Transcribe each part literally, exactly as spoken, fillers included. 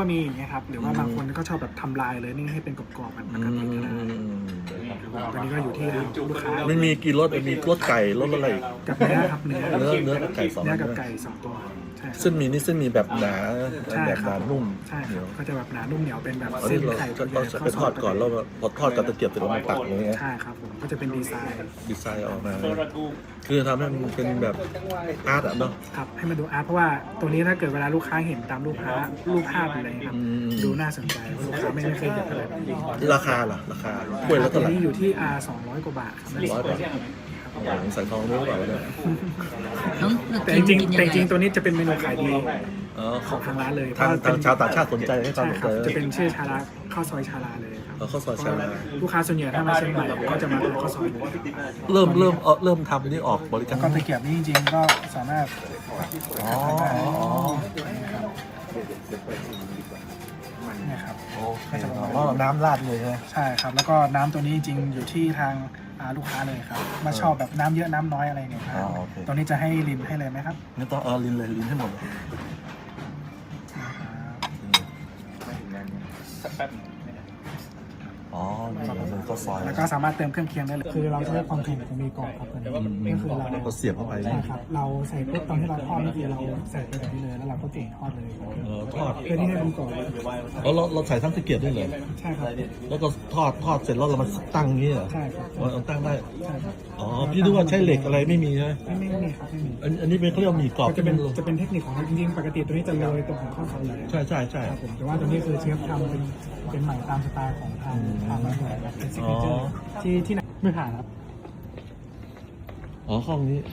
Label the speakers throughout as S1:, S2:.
S1: มีอย่างเงี้ยครับหรือว่าบางคนก็ชอบแบบทำลายเลยนี่ให้เป็นกรอบๆแบบปกติก็ได้ตอนนี้ก็อยู่ที่ลูกค้า
S2: ไม่มีกี่รสมีรสไก่รสอะไรอีก
S1: กับเนื้อครับเนื้อ
S2: เนื้อเนื้อกับไก่สอง
S1: เนื้อกับไก่สองตัวใช่ครับ
S2: เส้นหมีนี่เส้นหมีแบบหนา
S1: ใช่
S2: แบบ
S1: ค
S2: ห
S1: รั
S2: นา
S1: บ
S2: นุ่ม
S1: ใช่ค
S2: เหนี
S1: รั
S2: ย
S1: บ
S2: ว
S1: ก็จะแบบหนานุ่มเหนียวเป็นแบบ
S2: อัน
S1: เส้
S2: นี้
S1: น
S2: เรา
S1: ไข่
S2: จะ
S1: ตัวให
S2: เรา
S1: ญ่
S2: จะไปทอดก่อนแล้วพอทอดกับตะเกียบเสร็จแล้วมาตักอย่างเงี้ย
S1: ใช่ครับผมก็จะเป็นดีไซน์
S2: ดีไซน์ออกมาคือทำให้มันเป็นแบบอาร์ตอะเนาะ
S1: ครับให้มันดูอาร์ตเพราะว่าตัวนี้ถ้าเกิดเวลาลูกค้าเห็นตามรูปภาพรูปภาพอะไรครับ
S2: อืม
S1: ดูน่าสนใจเพราะลูกค้าไม่ไม่เคยเห็นอะไรแบบนี้
S2: ราคาล่ะราคาถ้วยละ
S1: ตั
S2: เท่าว ไหร่
S1: นี้อยู่ที่ R สองร้อยกว่าบาทครับ
S2: ร้อยบาทใส่ทองด้วยหรือเปล่าเนี่ย
S1: แต่จริงๆแต่จริงๆตัวนี้จะเป็นเมนูขายดี
S2: อ๋อ
S1: ของทางร้านเลย
S2: ทางทางชาวต่างชาติสนใจให้ความ
S1: ใช่
S2: สน
S1: ครั
S2: ใจ
S1: บจะเป็นชื่อชาลาข้าวซอยชาลาเลยครับ
S2: เอาข้าวซอยชาลา
S1: ลูกค้าส่วนใหญ่ถ้ามาเชียงใหม่ก็จะมาทานข้าวซอยเลย
S2: เริ่มเริ่มเออเริ่มทำนี่ออกบริกา
S1: แล้ว
S2: ร
S1: ก็ตะเกียบนี่จริงๆก็สามารถ
S2: อ๋ออ๋ออ๋อ
S1: เนี่ยครับ
S2: โอเคอ๋อน้ำราดเลยใช่ไหม
S1: ใช่ครับแล้วก็น้ำตัวนี้จริงๆอยู่ที่ทางอ่าลูกค้าเลยครับมาชอบแบบน้ำเยอะน้ำน้อยอะไรเนี่ยครับตัวนี้จะให้ลินให้เลยไหมครับ
S2: นี่ต้องเอาลินเลยลินให้หมดเลยอ๋อนี่เลยก็ซอย
S1: แล้วก็สามารถเติมเครื่องเคียงได้เลยคือเราใช้ความเค็มของมีกรอบครับตัวนี้ก็คือเรา
S2: ก็เสียบเข้าไป
S1: ใช่ครับเราใส่ปุ๊บตอนที่เราทอดนี่คือเราใส่ไปแบบนี้เลยแล้วเราก็จุ่มทอดเลย
S2: เออทอด
S1: เพื่อที่ให้มันกรอบ
S2: แล้วเราเราใส่ทั้งตะเกียบด้วยเหรอ
S1: ใช่ครับ
S2: แล้วก็ทอดทอดเสร็จแล้วเรามาตั้งอย่างนี้เหรอ
S1: ใช่ครับ
S2: เราตั้งได้
S1: ใช่ครับ
S2: อ๋อพี่ดูว่าใช้เหล็กอะไรไม่มีใช่ไหม
S1: ไม่ไม่ไม่มีครับไม่มี
S2: อันอันนี้เป็นเขาเรียกว่าหมี่กรอบ
S1: ก็จะเป็นจะเป็นเทคนิคของเราจริงๆปกติตัวนี้จะโรยตรงของข้าวซอยเลย
S2: ใช่ใช่ใช่
S1: ครับผมแต่ว่าตัวนี้คือเชฟทำเป็นเป็นใหม่ตามสไตล์ของทางทางร้านเลยครับเป็นซิกเนเจอร์ที่ที่ไหนไม่ผ่านครับ
S2: อ๋อห้องนี้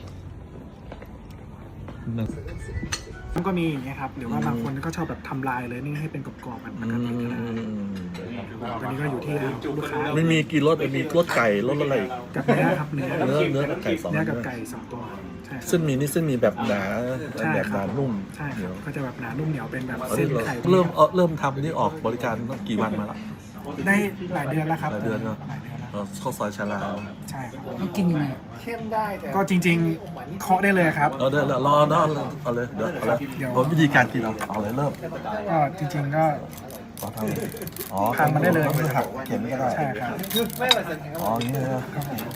S1: ก็มีอย่างเงี้ยครับหรือว่าบางคนก็ชอบแบบทำลายเลยนี่ให้เป็นกรอบๆแบบปกติก็ได้ตอนนี้ก็อยู่ที่ลูกค้า
S2: ไม่มีกี่รสมีรสไก่รสอะไรอีก
S1: กับเนื้อครับเนื้อ
S2: เนื้อเนื้อกับไก่สอง
S1: เนื้อกับไก่สองตัวใช่ครับ
S2: เส้นหมีนี่เส้นหมีแบบหนา
S1: ใช่
S2: แบบ
S1: ค
S2: ห
S1: รั
S2: นา
S1: บ
S2: นุ่ม
S1: ใช่
S2: เห
S1: ค
S2: นี
S1: รั
S2: ย
S1: บ
S2: ว
S1: ก็จะแบบหนานุ่มเหนียวเป็นแบบ
S2: อัน
S1: เส้
S2: นี้
S1: น
S2: เรา
S1: ไข่
S2: เริ่มเออเริ่มทำนี่ออกบริการตั้งกี่วันมาแล้ว
S1: ได้หลายเดือนแล้วครับ
S2: หลายเดือนเนอะ
S1: หลายเดือนแล้ว
S2: เออข้าวซอยชาลา
S1: ใช่ครับ
S3: ต้องกินยังไง
S1: ก็จริงๆเคาะได้เลยครับ
S2: เออเดี๋ยวรอเนาะเอาเลยเดี๋ยวเอาเลย
S1: เดี๋ยว
S2: ผมวิธีการกินเอาเอาเลยเริ่ม
S1: ก็จริงๆก็
S2: ขอทำอ๋อ
S1: ทานมันได้เลย
S2: ไม่หักเข็มก็ได้
S1: ใช่ครับ
S2: อ๋ออย่างนี้นะ
S1: ครับผม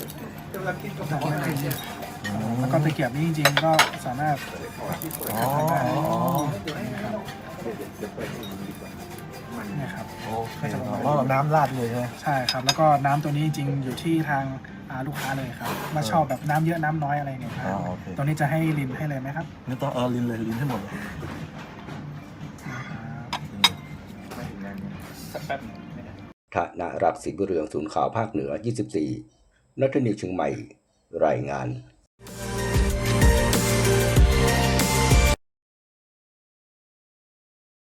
S1: แล้วก็ตะเกียบนี่จริงๆก็สามารถ
S2: อ๋ออ๋ออ๋อ
S1: เนี่ยครับ
S2: โอเคอ๋อน้ำราดเลยใช่ไหม
S1: ใช่ครับแล้วก็น้ำตัวนี้จริงๆอยู่ที่ทางอ่าลูกค้าเลยครับมาชอบแบบน้ำเยอะน้ำน้อยอะไรเนี่ยครับตัวนี้จะให้ลินให้เลยไหมครับ
S2: นี่ต้องเอาลินเลยลินให้หมดเลย
S4: ธนรัตน์ศรีบุญเรืองศูนย์ข่าวภาคเหนือ ยี่สิบสี่ นัทนิวเชียงใหม่ รายงาน